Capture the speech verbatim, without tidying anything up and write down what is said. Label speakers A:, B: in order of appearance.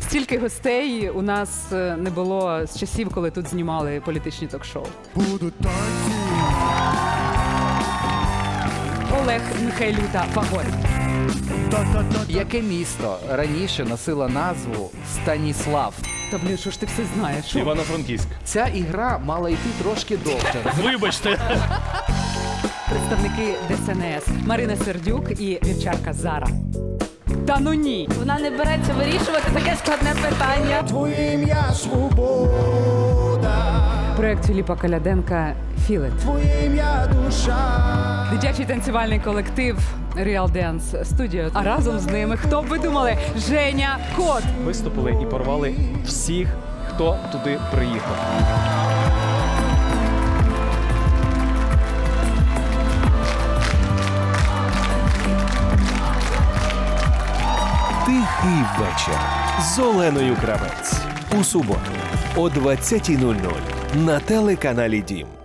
A: Стільки гостей у нас е, не було з часів, коли тут знімали політичні ток-шоу.
B: Будуть танці.
A: Олег Михайлюта Фаворит.
B: Та-та-та.
C: Яке місто раніше носило назву Станіслав?
A: Та блін, що ж ти все знаєш? Що?
D: Івано-Франківськ.
C: Ця ігра мала йти трошки довше.
D: Вибачте.
A: Представники ДСНС Марина Сердюк і вівчарка Зара. Та ну ні!
E: Вона не береться вирішувати таке складне питання.
B: Твоє ім'я свобода.
A: Проект Філіпа Коляденка «Філет».
B: Твоє ім'я душа.
A: Дитячий танцювальний колектив Real Dance Studio. А разом з ними, хто б ви думали, Женя Кот.
D: Виступили і порвали всіх, хто туди приїхав.
F: Тихий вечір з Оленою Кравець. У суботу о двадцятій нуль нуль на телеканалі Дім.